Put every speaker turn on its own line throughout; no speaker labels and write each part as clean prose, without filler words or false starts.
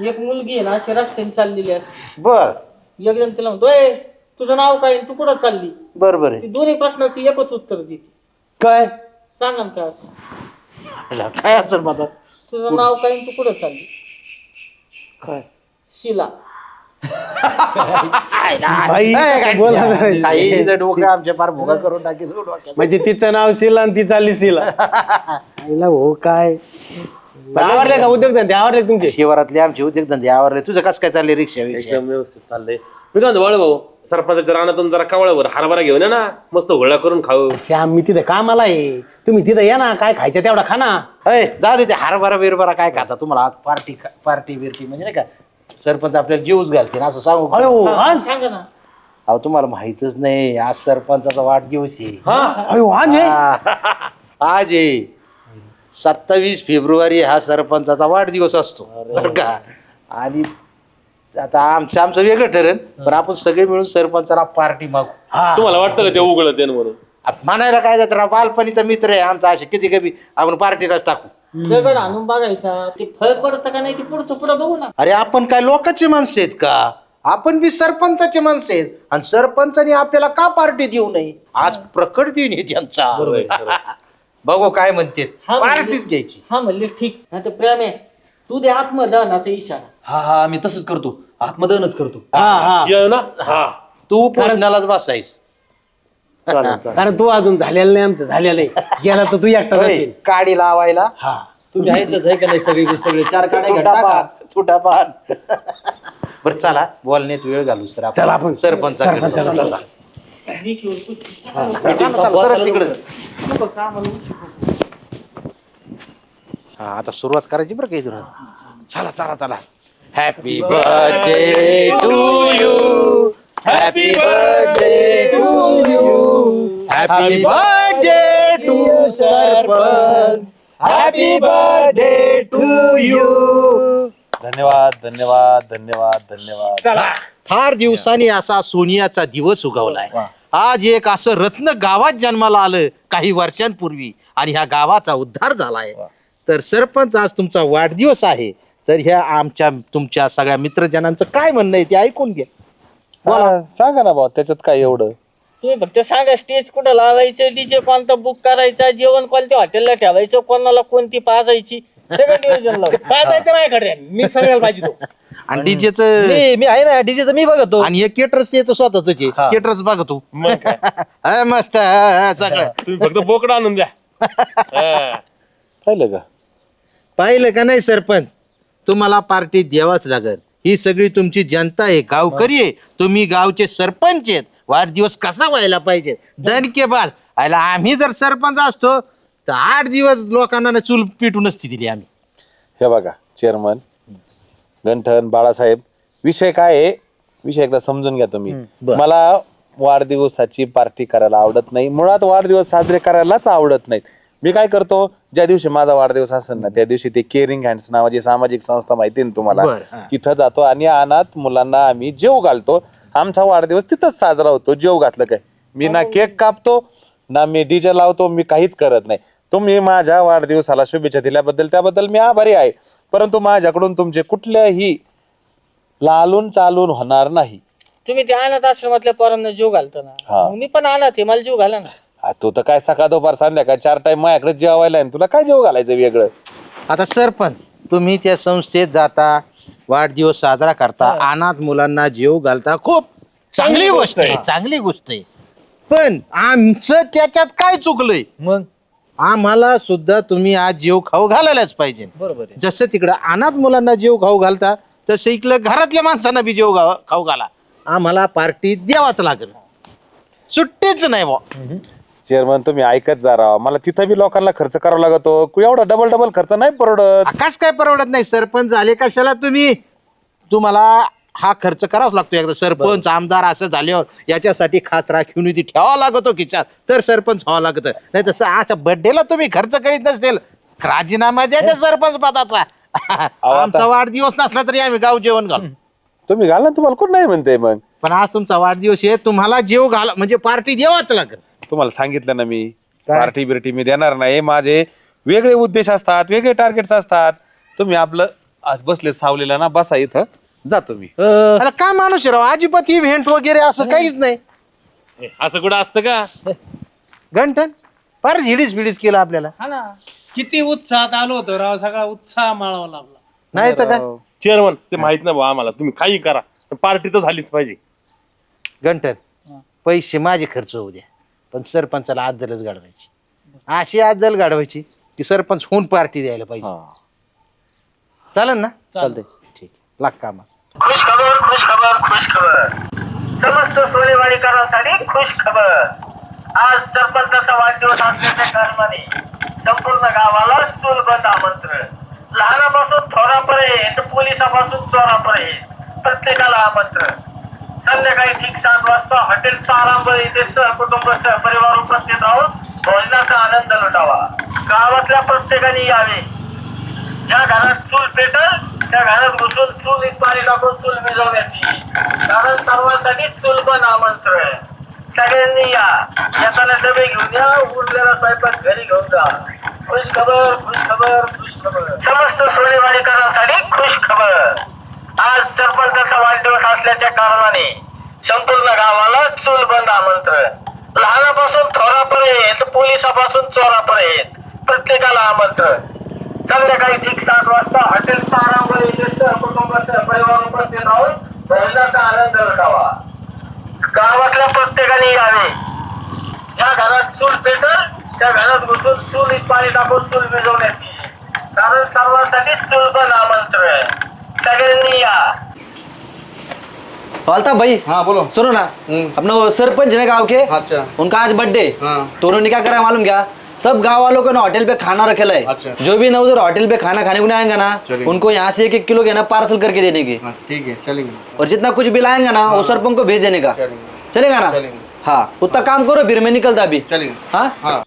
एक मुलगी आहे ना अशी रस्त्याने चाललेली असते.
बर
एकदम तिला म्हणतोय तुझं नाव काय आणि तू कुठं चालली.
बरोबर आहे.
ती दोन्ही प्रश्नाचं एकच उत्तर देते.
काय
सांगा ना काय असं.
काय असेल माझा
तुझं नाव काय आणि तू कुठं चालली.
काय
शिला.
बाई बोला नाही.
काही डोकं आमच्या फार भोगा करून टाकी
म्हणजे तिचं नाव शिला आणि ती चालली शिला आईला हो काय आवडले का उद्योगधंदे आवडले तुमचे
शिवारातले आमचे उद्योगधंदे आवरले. तुझं कसं काय चाललंय रिक्षा
एकदम व्यवस्थित चाललंय. मी काय म्हणतो भाऊ सरपंचाच्या रानातून जरा कावळ्यावर हरभरा घेऊन ये ना मस्त होळा करून खाऊ.
श्याम मी तिथे कामाला आहे तुम्ही तिथे या ना काय खायचं तेवढा खा ना.
जाऊ दे ते हरभरा बिरभरा काय खाता तुम्हाला पार्टी पार्टी बिर्टी म्हणजे नाही का सरपंच आपल्याला जीवच घालते ना असं सांगू का?
अयो आज
सांगा ना.
अहो तुम्हाला माहितच नाही आज सरपंचाचा वाढदिवस आहे.
अयो आज आहे
आज आहे 27 फेब्रुवारी हा सरपंचाचा वाढदिवस असतो बरं का. आणि आता आमचं वेगळं ठरेल पण आपण सगळे मिळून सरपंचाला पार्टी मागू.
तुम्हाला वाटतं का ते उघडत ते म्हणून.
म्हणायला काय जात राव बालपणीचा मित्र आहे आमचा असे किती कमी आपण पार्टीलाच टाकू.
दगड आणून बघायचा ते फळ पडतं का नाही ते पुढचं पुढं बघू ना.
अरे आपण काय लोकांचे माणसं आहेत का. आपण बी सरपंचाचे माणसं आहेत आणि सरपंचाने आपल्याला का पार्टी देऊ नये. आज प्रकट दिन आहे त्यांचा. बघू काय म्हणते पार्टीच घ्यायची.
हा म्हणले ठीक नाही तर प्रेम आहे तू दे आत्मदानाचा इशारा.
हा मी तसंच करतो आत्मदहनच करतो.
ये ना हा
तू पोचण्यालाच बसायस.
कारण तू अजून झालेला नाही आमचं झालेलं आहे गेला तर तू एकटाच असेल.
काडी लावायला
हा
तुम्ही आहेतच आहे का नाही सगळे 4 काढाय
तुटा पान बरं चला बोलण्यात वेळ घालू तर
चला आपण
सरपंचाकडे
सरपंचाला
चला.
मी किंवा तू.
चला, सरळ तिकडे.
नको का म्हणू.
हा आता सुरुवात करायची बरं का इथून. चला चला चला. Happy birthday to you. Happy birthday to you. Happy birthday to sarpanch. Happy birthday to you.
धन्यवाद धन्यवाद धन्यवाद धन्यवाद.
चला फार दिवसांनी असा सोनियाचा दिवस उगवलाय. आज एक असं रत्न गावात जन्माला आलं काही वर्षांपूर्वी आणि ह्या गावाचा उद्धार झालाय. तर सरपंच आज तुमचा वाढदिवस आहे तर ह्या आमच्या तुमच्या सगळ्या मित्रजनांचं काय म्हणणं आहे ते ऐकून घ्या.
मला सांगा ना भाऊ त्याच्यात काय एवढं.
तुम्ही फक्त सांगा स्टेज कुठं लावायचं डीजे कोणता बुक करायचा जेवण कोणत्या हॉटेलला ठेवायचं कोणाला कोणती पाजायची सगळं नियोजन लावून.
पाजायचं माझ्याकडे मी सगळ्याला पाहिजे तो.
आणि डीजेच
मी आहे ना डीजेचं मी बघतो.
आणि हे केटरस याचं स्वतःच आहे. केटरस बघ तू
मग काय.
हा, मस्त हा, सगळं
तुम्ही फक्त बोकडा आणून द्या. हा.
पाहिलं का
पाहिलं का नाही सरपंच तुम्हाला पार्टी द्यावाच लागल. ही सगळी तुमची जनता आहे गावकरी आहे तुम्ही गावचे सरपंच आहेत. वाढदिवस कसा व्हायला पाहिजे दणकेबाज आयला आम्ही जर सरपंच असतो तर 8 दिवस लोकांना चूल पिटून नसती दिली आम्ही.
हे बघा चेअरमन गंठन बाळासाहेब विषय काय आहे विषय एकदा समजून घ्या तुम्ही. मला वाढदिवसाची पार्टी करायला आवडत नाही मुळात वाढदिवस साजरे करायलाच आवडत नाहीत. मी काय करतो ज्या दिवशी माझा वाढदिवस असेल ना त्या दिवशी ते केअरिंग हँड्स नावाची सामाजिक संस्था माहिती ना तुम्हाला तिथं जातो आणि अनाथ मुलांना आम्ही जेव घालतो. आमचा वाढदिवस तिथंच साजरा होतो. जेव घातलं काय मी ना केक कापतो ना मी डीजे लावतो मी काहीच करत नाही. तुम्ही माझ्या वाढदिवसाला शुभेच्छा दिल्याबद्दल त्याबद्दल मी आभारी आहे परंतु माझ्याकडून तुमचे कुठल्याही लालून चालून होणार नाही.
तुम्ही ते अनाथ आश्रमातल्या पोरांना जीव घालता ना मग मी पण अनाथ आहे मला जीव घाला ना.
तू तर काय सकाळ दुपार संध्याकाळ 4 टाइम माझ्याकडे जेवायला आहे तुला काय जेव घालायचं वेगळं.
आता सरपंच तुम्ही त्या संस्थेत जाता वाढदिवस साजरा करता अनाथ मुलांना जीव घालता खूप चांगली गोष्ट आहे चांगली गोष्ट आहे. पण आमचं त्याच्यात काय चुकलंय
मग
आम्हाला सुद्धा तुम्ही आज जीव खाऊ घालायलाच पाहिजे.
बरोबर आहे.
जसं तिकडं अनाथ मुलांना जीव खाऊ घालता तसं इकडं घरातल्या माणसांना बी जीव खाऊ घाला. आम्हाला पार्टी द्यावाच लागेल सुट्टीच नाही बा.
चेअरमन तुम्ही ऐकत जा राव मला तिथं बी लोकांना खर्च करावा लागतो एवढा डबल खर्च नाही परवडत.
आकाश काय परवडत नाही सरपंच झाले कशाला तुम्ही तुम्हाला हा खर्च करावाच लागतो. एकदा सरपंच आमदार असं झाल्यावर याच्यासाठी खास राखीव निधी ठेवावा लागतो खिच्यात तर सरपंच व्हावं लागत नाही तसं अशा बर्थडेला तुम्ही खर्च करीत नसेल राजीनामा द्या त्या सरपंच पदाचा. आमचा वाढदिवस नसला तरी आम्ही गाव जेवण घालू.
तुम्ही घाल ना तुम्हाला कोण नाही म्हणते मग.
पण आज तुमचा वाढदिवस आहे तुम्हाला जेव घाला म्हणजे पार्टी द्यावाच लागेल.
तुम्हाला सांगितलं ना मी पार्टी बिर्टी मी देणार नाही. माझे वेगळे उद्देश असतात वेगळे टार्गेट्स असतात. तुम्ही आपलं आज बसले सावलेला ना, बसा इथं, जातो मी.
अरे काय माणूस आहे राव, अजिबात इव्हेंट वगैरे असं काहीच नाही.
असं कुठं असतं का?
घंटन फार झिडीस बिडीस केलं आपल्याला.
किती उत्साहात आलो होतो राव, सगळा उत्साह माळावा लागला.
नाही तर काय
चेअरमन ते माहित नाही भाऊ आम्हाला, तुम्ही काही करा, पार्टी तर झालीच पाहिजे.
घंटन पैसे माझे खर्च होऊ द्या, पण सरपंचाला आदलच गाडवायची. अशी आदल गाडवायची की सरपंच होऊन पार्टी द्यायला पाहिजे. चालेल ना? चालतंय, ठीक, लाग कामा.
खुश खबर, खुश खबर, खुश खबर. समस्त सोनेवाडीकरांसाठी खुश खबर. आज सरपंचाचा वाढदिवस असल्याच्या कारणाने संपूर्ण गावाला चूलबंद आमंत्रण. लहानापासून थोरापर्यंत, पोलिसापासून चोरापर्यंत प्रत्येकाला आमंत्रण. संध्याकाळी ठीक 7 वाजता हॉटेल तारांबळ येथे सहकुटुंब सहपरिवार उपस्थित राहून भोजनाचा आनंद लुटावा. गावातल्या प्रत्येकाने यावे. ज्या घरात चूल पेटल त्या घरात घुसून चूल पाणी टाकून चूल विझवण्याची. कारण सर्वांसाठी चूलबंद आमंत्रण. सगळ्यांनी या. येताना डबे घेऊन या, उरलेला स्वयंपाक घरी घेऊन जा. खुश खबर, खुश खबर, खुश खबर. समस्त सोनेवाडीकरांसाठी खुश खबर. आज सरपंचाचा वाढदिवस असल्याच्या कारणाने संपूर्ण गावाला चूलबंद आमंत्रण. लहानापासून थोरापर्यंत, पोलिसापासून चोरापर्यंत प्रत्येकाला आमंत्रण. संध्याकाळी ठीक 7 वाजता हॉटेल तारांबळ येथे सहकुटुंब सहपरिवार उपस्थित राहून भोजनाचा आनंद लुटावा. गावातल्या प्रत्येकाने यावे. ज्या घरात चूल पेटल त्या घरात घुसून चूल पाणी टाकून चूल विझवण्याची. कारण सर्वांसाठी चूलबंद आमंत्रण. सगळ्यांनी या.
अल्ताफ भाई,
हाँ बोलो।
सुनो ना, अपना वो सरपंच है गांव के,
अच्छा।
उनका आज बर्थडे।
हाँ।
तो उन्होंने क्या करा है मालूम क्या? सब गांव वालों को ना होटल पे खाना रखेला है।
अच्छा।
जो भी ना उधर होटल पे खाना खाने को नहीं आएंगे ना,
चलेंगे।
उनको यहाँ से 1-1 किलो के ना पार्सल करके देने की,
हाँ, ठीक है चलेंगे।
और जितना कुछ बिल आएगा ना वो सरपंच को भेज देने का।
चलेंगे।
चलेगा ना?
चलेंगे।
हाँ, उतना काम करो, फिर मैं निकलता अभी।
चलेंगे।
हाँ,
हाँ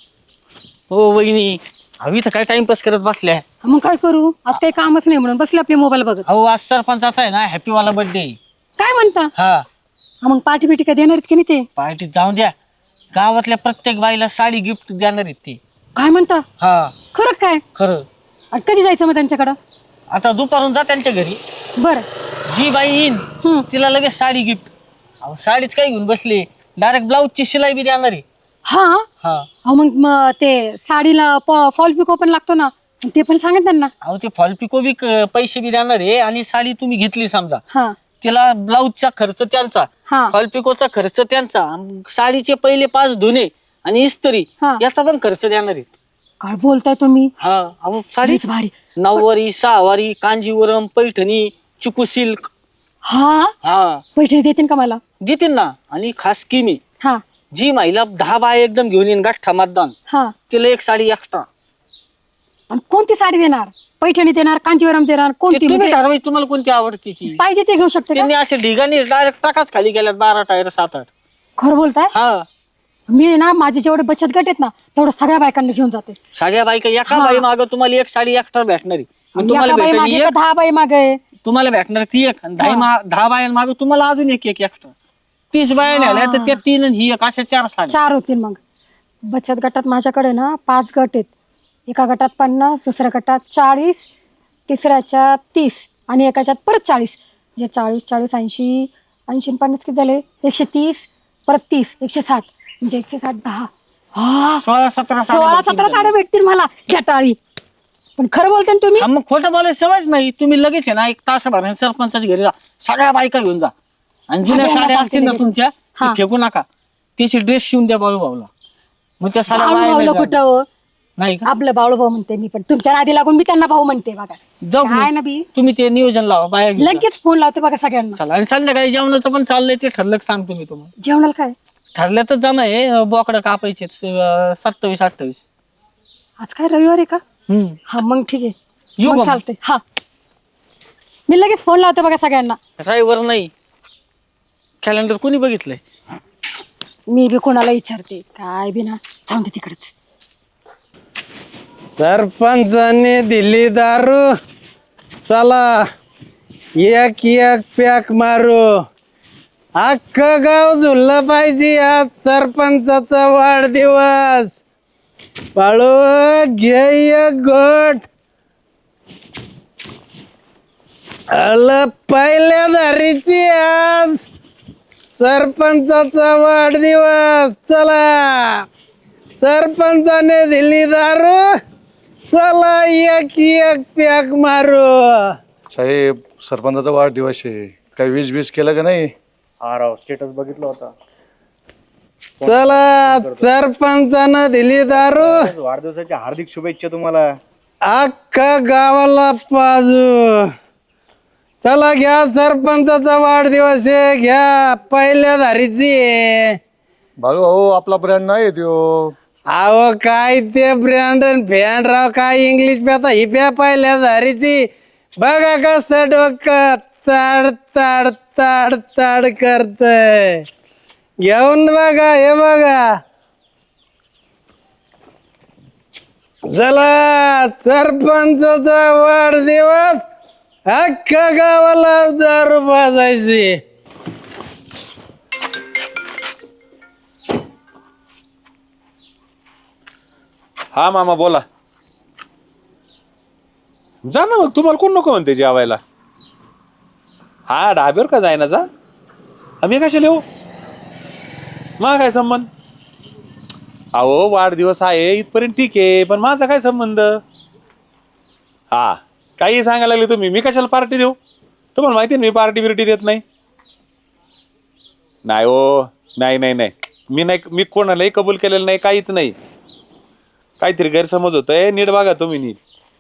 हो वहिनी, हवी तर काय टाइमपास करत बसल्या.
मग काय करू, आज काही कामच नाही म्हणून बसले आपले मोबाईल बघत.
अहो आज सरपंचाचा आहे ना हॅपी वाला बर्थडे.
काय म्हणता?
हा,
मग पार्टी बिटी काय देणार आहेत की नाही ते?
पार्टीत जाऊन द्या. गावातल्या प्रत्येक बाईला साडी गिफ्ट देणार आहेत ते.
काय म्हणता?
हा
खरं काय?
खरं.
आणि कधी जायचं मग त्यांच्याकडं?
आता दुपारून जा त्यांच्या घरी.
बर.
जी बाई येईन तिला लगेच साडी गिफ्ट. अहो साडीच काय घेऊन बसले, डायरेक्ट ब्लाऊजची शिलाई बी देणार आहे.
हा.
हा,
अहो मग ते साडीला फॉल पिको पण लागतो ना, ते पण सांगा त्यांना.
अहो ते फॉल पिको बी पैसे बी देणार आहे. आणि साडी तुम्ही घेतली समजा,
हा
तिला ब्लाऊजचा खर्च त्यांचा,
हा.
फॉल पिकोचा खर्च त्यांचा, साडीचे पहिले 5 धुणे आणि इस्त्री
हा.
याचा पण खर्च देणार आहेत.
काय बोलताय तुम्ही?
हा, अहो साडी
लईच भारी.
नऊवारी, सहावारी, कांजीवरम, पैठणी, चिकू सिल्क.
हा,
हा
पैठणी देतील का मला?
देतील ना. आणि खास स्कीम आहे,
हा
जी महिला 10 बाय एकदम घेऊन येईन गाठा मतदान,
हा.
तिला 1 साडी एक्स्ट्रा.
आणि कोणती साडी देणार? पैठणी देणार, कांजीवरम देणार, कोणती
तुम्ही
म्हणजे
ठरवायची तुम्हाला कोणती आवडते ती.
पाहिजे ते घेऊ शकते का?
त्यांनी असे ढिगाणी डायरेक्ट टाकाच खाली गेल्यात 12 टायर 7-8.
खरं बोलताय?
हा,
मी ना माझे जेवढे बचत गट आहेत ना तेवढं सगळ्या बायकांना घेऊन जाते.
सगळ्या बायका एका
हा.
बाई माग तुम्हाला 1 साडी एक्स्ट्रा भेटणार आहे. मग
आणि
तुम्हाला
एका बाई
भेटणार
मागे
एक,
का 10 बाई मागे?
तुम्हाला भेटणार ती एक, आणि 10 बायांमागे तुम्हाला अजून एक एक्स्ट्रा. 30 बाया नेल्या तर त्या 3 आणि ही एक, अशा 4 साड्या.
4 होतील. मग बचत गटात माझ्याकडे ना 5 गट आहेत. एका गटात 50, दुसऱ्या गटात 40, तिसऱ्याच्यात 30 आणि एकाच्यात परत 40. म्हणजे 40, 80, 50 किती झाले? 130, परत 30, 160, म्हणजे 160, 10. हा,
16-17
16-17 साड्या भेटतील मला घ्या टाळी. पण खरं बोलते ना तुम्ही?
मग खोटं बोलायची सवयच नाही. तुम्ही लगेच आहे ना 1 तासाभर सरपंचाच्या घरी जा, सगळ्या बायका घेऊन जा. आणि जुन्या
सगळ्यांना
साड्या
सांगते
असतील ना
लगेच.
तुमच्या,
हा.
ते फेकू नका. त्याची ड्रेस शिवून द्या बाळू भाऊला. मग त्या साड्या वाया
बाळूभाऊला
नाही
कुठं
जाणार.
हो?
नाही का?
आपलं बाळूभाऊ म्हणते मी, पण तुमच्या नादी लागून मी त्यांना भाऊ म्हणते बघा.
जाऊ
काय ना
मग.
बी?
तुम्ही ते नियोजन लावा, बाया घेऊन जा.
लगेच फोन लावते बघा सगळ्यांना.
चला. आणि संध्याकाळी जेवणाचं पण चाललंय, ते ठरलं की सांगतो मी तुम्हाला.
जेवणाला काय?
ठरल्यातच जमा आहे, बोकडं कापायचे 27-28.
आज काय रविवार आहे का?
हम्म.
हा मग ठीक आहे.
येऊ
मग
का?
चालते. हा, मी लगेच फोन लावते बघा सगळ्यांना.
ड्रायव्हर नाही, कॅलेंडर कोणी बघितलंय?
मी बी कोणाला विचारते काय बी ना, जाऊन दे तिकडच.
सरपंचाने दिली दारू, चला एक एक पॅक मारू. अख्खं गाव झुललं पाहिजे, आज सरपंचाचा वाढदिवस. बाळू घे एक घोट. आलं पहिल्या धारीची आज सरपंचाचा वाढदिवस. चला सरपंचाने दिली दारू, चला एक एक पॅक मारू.
साहेब सरपंचाचा वाढदिवस आहे, काही वीज केलं का नाही?
चला सरपंचानं दिली दारू,
वाढदिवसाच्या हार्दिक शुभेच्छा तुम्हाला.
अख्खा गावाला पाजू. चला घ्या सरपंचाचा वाढदिवस आहे, घ्या पहिल्या धारीची आहे.
बाळू भाऊ आपला ब्रँड नाही त्यो.
अहो काय ते ब्रँड फॅन राव, काय इंग्लिश प्याता ही प्या पहिल्या धारीची. बघा कसं डोकं ताड ताड ताड ताड करतय. घेऊन बघा, हे बघा. चला सरपंचाचा वाढदिवस, अख्ख्या गावाला दारू पाजायची.
हा मामा बोला. जा ना मग, तुम्हाला कोण नको म्हणते जेवायला? हा ढाब्यावर का जायना जा. आम्ही कशाला येऊ, मग काय संबंध? अहो वाढदिवस आहे इथपर्यंत ठीक आहे, पण माझा काय संबंध? हा काही सांगायला लागले तुम्ही, मी कशाला पार्टी देऊ? तुम्हाला माहिती आहे मी पार्टी बिर्टी देत नाही. नाही हो, नाही नाही नाही, मी कोणालाही कबूल केलेलं नाही, काहीच नाही. काहीतरी गैरसमज होतोय, नीट बघा तुम्ही नीट.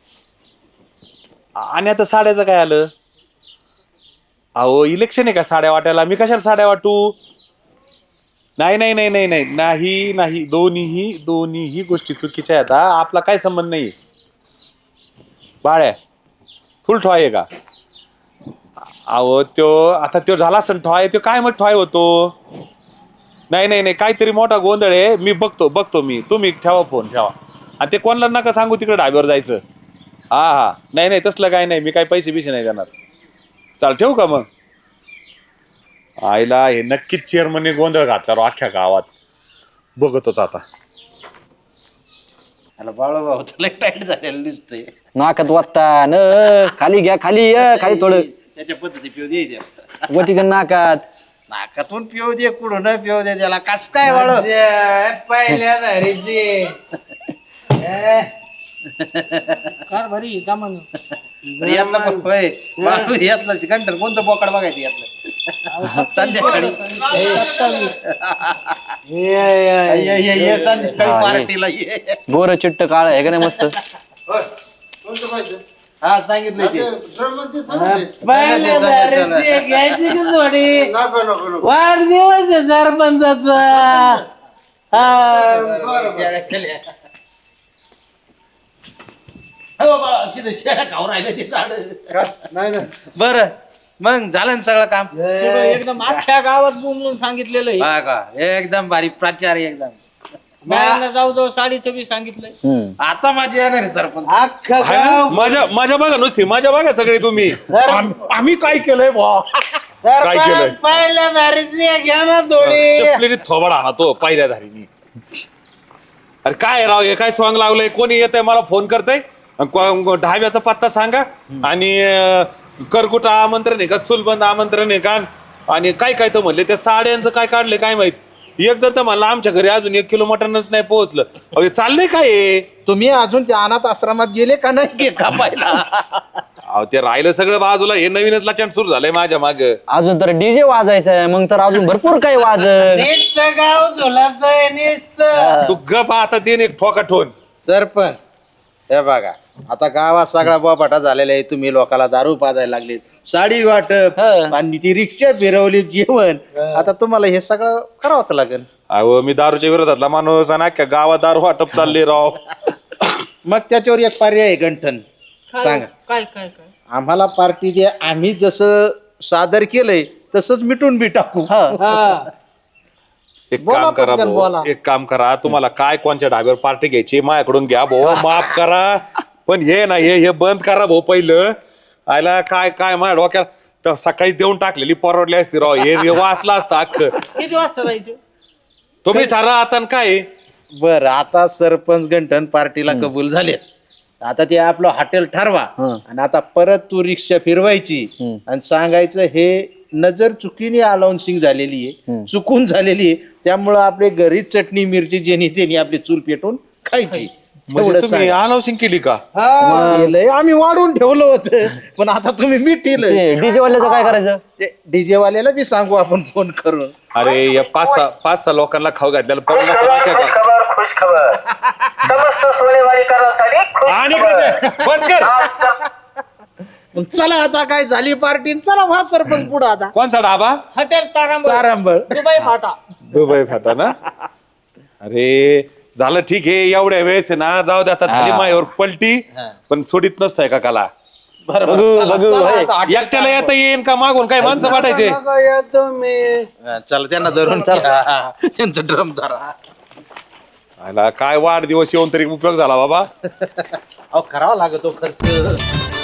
आणि आता साड्याचं काय आलं? अहो इलेक्शन आहे का साड्या वाटायला? मी कशाला साड्या वाटू? नाही नाही नाही नाही नाही नाही नाही, दोन्हीही गोष्टी चुकीच्या आहेत. आपला काय संबंध नाही. बाळ्या फुल ठॉय आहे का? अहो त्यो झाला असेल ठॉय, त्यो काय मग ठॉय होतो? नाही नाही नाही, काहीतरी मोठा गोंधळ आहे. मी बघतो मी. तुम्ही ठेवा फोन ठेवा, आणि ते कोणाला नका सांगू तिकडे ढाब्यावर जायचं. हा नाही नाही तसलं काय नाही, मी काय पैसे बिशे नाही देणार. चाल ठेवू का मग? आईला हे नक्कीच चेअरमनने गोंधळ घातला अख्ख्या गावात. बघतोच आता.
बाळू भाऊ तुला टाईट झालेलं दिसतंय.
नाकात वाटता न, खाली घ्या, खाली ये, खाली थोडं
त्याच्या पद्धती पिऊ दे.
वटी त्या नाकात.
नाकातून पिऊ दे, कुठून पिऊ दे, त्याला कस काय बाळू?
पहिल्या धारीची.
कार भरी का म्हण
यातला होय बाळू, यातलं कंटर कोणतं बोकड बघायचं यातलं? संध्याकाळी ये संध्याकाळी पार्टीला ये.
गोर चिट्ट काळ आहे का नाही मस्त.
हा सांगितलं ते.
पहिल्या धारीची घ्यायची का जोडी? वाढदिवस आहे सरपंचाचा.
बर मग झालं ना सगळं काम?
एकदम अख्ख्या गावात बोंबलून सांगितलेलं आहे.
हा का, एकदम भारी प्राचार एकदम.
बायांना जाऊ साडीचं बी सांगितलंय.
आता माझी येणार आहे सरपंच.
अख्खा
आहे ना? माझ्या बघा नुसती, माझ्या बघा सगळे तुम्ही.
आम्ही काय केलंय बा?
काय केलंय?
पहिल्या धारीची घ्या ना थोडी.
चपलीने थोबाड आणा तो पहिल्या धारीनी. अरे काय राव, हे काय सॉंग लावलंय? कोणी येत आहे मला फोन करतय, ढाब्याचा पत्ता सांगा, आणि करकुट आमंत्रण आहे का, चुलबंद आमंत्रण आहे का, आणि काय काय तर म्हणले त्या साड्यांचं काय काढले काय माहित. एक जर तर म्हणलं आमच्या घरी अजून 1 किलो मटनच नाही पोहोचलं. अहो चाललंय काय?
तुम्ही अजून त्या अनाथ आश्रमात गेले का नाही केक कापायला?
अहो ते राहिलं सगळं बाजूला, हे नवीनच लाचांड सुरू झालंय माझ्या माग.
अजून तर डीजे वाजायचं आहे, मग तर अजून भरपूर काही वाजत.
नुसतं गाव झुलत नुसत.
तू गप आता देन एक ठोका ठोन.
सरपंच हे बघा, आता गावात सगळा बोबाटा झालेला आहे. तुम्ही लोकांना दारू पाजायला लागले, साडी वाटप, आणि ती रिक्षा फिरवली, जेवण. आता तुम्हाला हे सगळं करावं लागेल.
अहो मी दारूच्या विरोधातला माणूस, आणि अख्ख्या गावात दारू वाटप चालले राव.
मग त्याच्यावर एक पर्याय आहे, गंठन सांगा.
काय काय काय
आम्हाला पार्टी द्या, आम्ही जसं सादर केलंय तसंच मिटून बी टाकू.
एक
बोला
काम करा
पटकन, बोला.
भाऊ, एक काम करा. तुम्हाला काय कोणत्या ढाब्यावर पार्टी घ्यायची माझ्याकडून घ्या भाऊ, माफ करा. पण हे ना हे बंद करा भाऊ पहिलं. आयला काय काय माझ्या डोक्यात तर सकाळी देऊन टाकलेली परवडली असती राव. हे वाचलं असतं अख्खं.
किती वाजता जायचं?
तुम्ही ठरा आता. आणि काय
बर आता सरपंच गंठन पार्टीला कबूल झाले. आता ते आपलं हॉटेल ठरवा आणि आता परत तू रिक्षा फिरवायची आणि सांगायचं हे नजर चुकीने अलाउन्सिंग झालेली आहे, चुकून झालेली आहे, त्यामुळं आपले घरीच चटणी मिरची जेनी तेनी आपली चूल पेटून खायची.
म्हणजे तुम्ही अनाउन्सिंग केली का?
केलंय, आम्ही वाढून ठेवलं होतं पण आता तुम्ही मिठीलं.
डीजे वाल्याचं काय करायचं?
ते डीजे वाल्याला बी सांगू आपण फोन करून.
अरे या पाच सहा लोकांना खाऊ घातल्याला
खुश
पन्नास
खबर
रुपये
खुश
का?
खबर खुश खबर समस्त सोनेवाडीकरांसाठी खुश
आणि
खबर.
इकडे ते, बंद कर.
आज सर-
मग चला आता काय झाली पार्टी, चला व्हा सरपंच पुढं आता.
कोणचा डाबा?
हॉटेल तारांबळ
तारांबळ.
दुबई फाटा.
दुबई फाटा ना? अरे झालं ठीक आहे, एवढ्या वेळेस आहे ना, जाऊ दे आता, झाली मायावर पलटी, पण सोडित नसतंय का काला.
बरोबर. चला, चला आता हॉटेल
एकट्याला येता येईन का मागून काय माणसं वाटायचे?
येतो मी.
हा, चला त्यांना धरून घ्या. त्यांचं ड्रम धरा.
आला, काय वाढदिवस येऊन तरी उपयोग झाला बाबा.
अहो करावा लागतो खर्च.